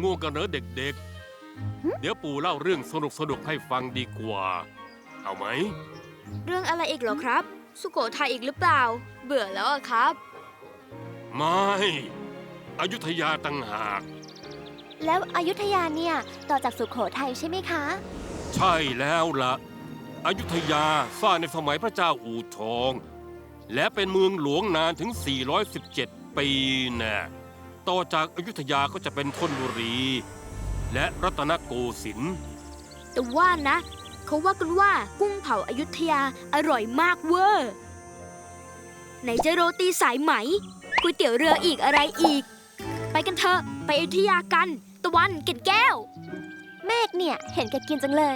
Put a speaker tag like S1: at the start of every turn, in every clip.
S1: ง่วงกันเหรอเด็กๆเดี๋ยวปู่เล่าเรื่องสนุกให้ฟังดีกว่าเอาไหม
S2: เรื่องอะไรอีกเหรอครับสุโขทัยอีกหรือเปล่าเบื่อแล้วอะครับ
S1: ไม่อยุธยาต่างหาก
S3: แล้วอยุธยาเนี่ยต่อจากสุโขทัยใช่ไหมคะ
S1: ใช่แล้วล่ะอยุธยาสร้างในสมัยพระเจ้าอู่ทองและเป็นเมืองหลวงนานถึง417ปีน่ะต่อจากอยุธยาก็จะเป็นธนบุรีและรัตนโกสินทร์
S2: แต่ว่านะเขาว่ากันว่ากุ้งเผาอยุธยาอร่อยมากเวอร์ไหนจะโรตีสายไหมก๋วยเตี๋ยวเรืออีกอะไรอีกไปกันเถอะไปอยุธยากันตะวันเกล็ดแก้ว
S3: เมฆเนี่ยเห็นแกกินจังเลย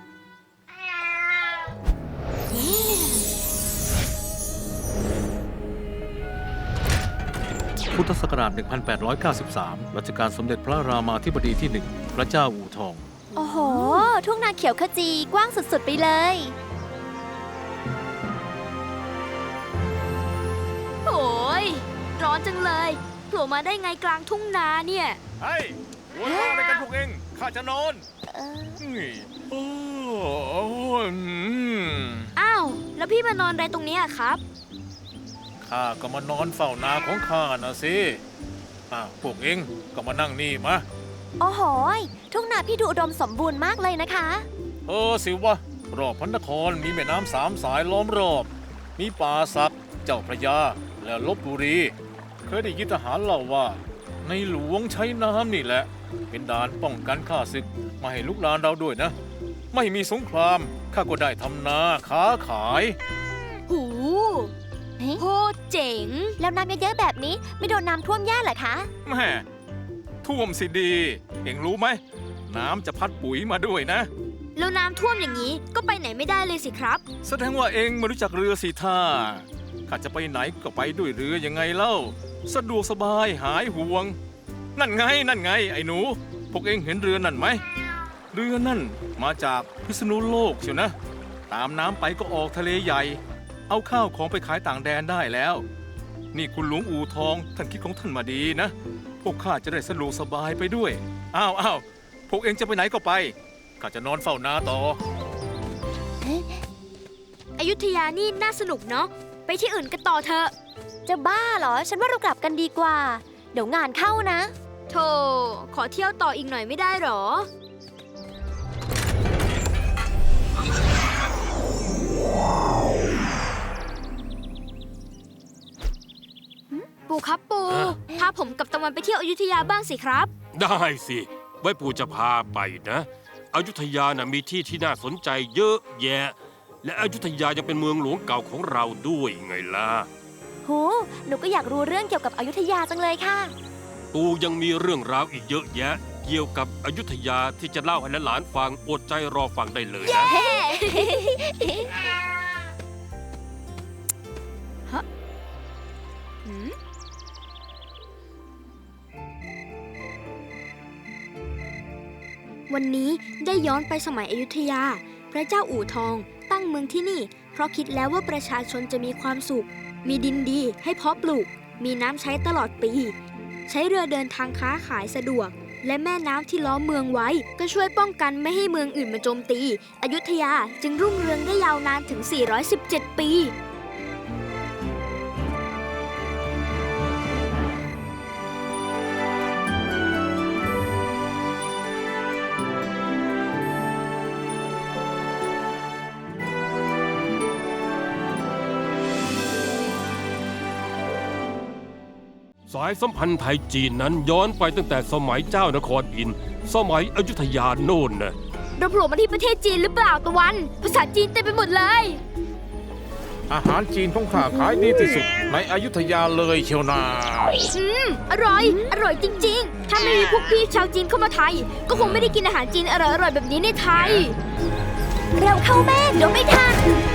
S4: พุทธศักราช 1893 รัชกาลสมเด็จพระรามาธิบดีที่ 1 พระเจ้าอู่ทอง
S3: โอ้โห ทุ่งนาเขียวขจีกว้างสุดๆไปเลย
S2: โอ้ยร้อนจังเลยโผล่มาได้ไงกลางทุ่งนาเนี่ย
S5: เฮ้ยหัวเราะอะไรกันพวกเองข้าจะนอน
S2: อ้าวแล้วพี่มานอนอะไรตรงนี้อะครับ
S5: ข้าก็มานอนเฝ้านาของข้านะสิพวกเองก็มานั่งนี่มา
S3: โอ้โหทุ่งนาพี่ดูอุดมสมบูรณ์มากเลยนะคะ
S5: สิวะรอบพระนครมีแม่น้ำ3 สายล้อมรอบมีป่าสักเจ้าพระยาและลพบุรีเคยได้ยินทหารเล่าว่าในหลวงใช้น้ำนี่แหละเป็นด่านป้องกันข้าศึกมาให้ลุกลานเราด้วยนะไม่มีสงครามข้าก็ได้ทำนาค้าขาย
S2: หูโคตรเจ๋ง
S3: แล้วน้ำเยอะๆแบบนี้ไม่โดนน้ำท่วมแย่เหรอคะ
S5: แม่ท่วมสิดีเอ็งรู้ไหมน้ำจะพัดปุ๋ยมาด้วยนะ
S2: แล้วน้ำท่วมอย่างนี้ก็ไปไหนไม่ได้เลยสิครับ
S5: แสดงว่าเอ็งไม่รู้จักเรือสิท่าข้าจะไปไหนก็ไปด้วยเรือยังไงเล่าสะดวกสบายหายห่วงนั่นไงไอ้หนูพวกเอ็งเห็นเรือนั่นไหมเรือนั่นมาจากพิษณุโลกเชียวนะตามน้ำไปก็ออกทะเลใหญ่เอาข้าวของไปขายต่างแดนได้แล้วนี่คุณหลวงอู่ทองท่านคิดของท่านมาดีนะพวกข้าจะได้สะดวกสบายไปด้วยอ้าวพวกเอ็งจะไปไหนก็ไปข้าจะนอนเฝ้านาต่อ
S2: อยุธยานี่น่าสนุกเนาะไปที่อื่นกันต่อเถอะ
S3: จะบ้าเหรอฉันว่าเรากลับกันดีกว่าเดี๋ยวงานเข้านะ
S2: โธ่ขอเที่ยวต่ออีกหน่อยไม่ได้หรอปู่ครับปู่พาผมกับตะวันไปเที่ยวอยุธยาบ้างสิครับ
S1: ได้สิไว้ปู่จะพาไปนะอยุธยานะมีที่น่าสนใจเยอะแยะและอยุธยายังเป็นเมืองหลวงเก่าของเราด้วยไงล่ะ
S3: หนูก็อยากรู้เรื่องเกี่ยวกับอยุธยาจังเลยค่ะ
S1: ปู่ยังมีเรื่องราวอีกเยอะแยะเกี่ยวกับอยุธยาที่จะเล่าให้หลานฟังอดใจรอฟังได้เลยนะ
S2: วันนี้ได้ย้อนไปสมัยอยุธยาพระเจ้าอู่ทองตั้งเมืองที่นี่เพราะคิดแล้วว่าประชาชนจะมีความสุขมีดินดีให้เพาะปลูกมีน้ำใช้ตลอดปีใช้เรือเดินทางค้าขายสะดวกและแม่น้ำที่ล้อมเมืองไว้ก็ช่วยป้องกันไม่ให้เมืองอื่นมาโจมตีอยุธยาจึงรุ่งเรืองได้ยาวนานถึง417 ปี
S1: สายสัมพันธ์ไทยจีนนั้นย้อนไปตั้งแต่สมัยเจ้านครอินทร์สมัยอยุธยาโน่นนะ
S2: เราโผล่มาที่ประเทศจีนหรือเปล่าตะวันภาษาจีนเต็มไปหมดเลย
S5: อาหารจีนของข้าขายดีที่สุดในอยุธยาเลยเชียวนา
S2: อร่อยจริงๆถ้าไม่มีพวกพี่ชาวจีนเข้ามาไทยก็คงไม่ได้กินอาหารจีนอร่อยๆแบบนี้ในไทย
S3: เร็วเข้าแม่เดี๋ยวไม่ทัน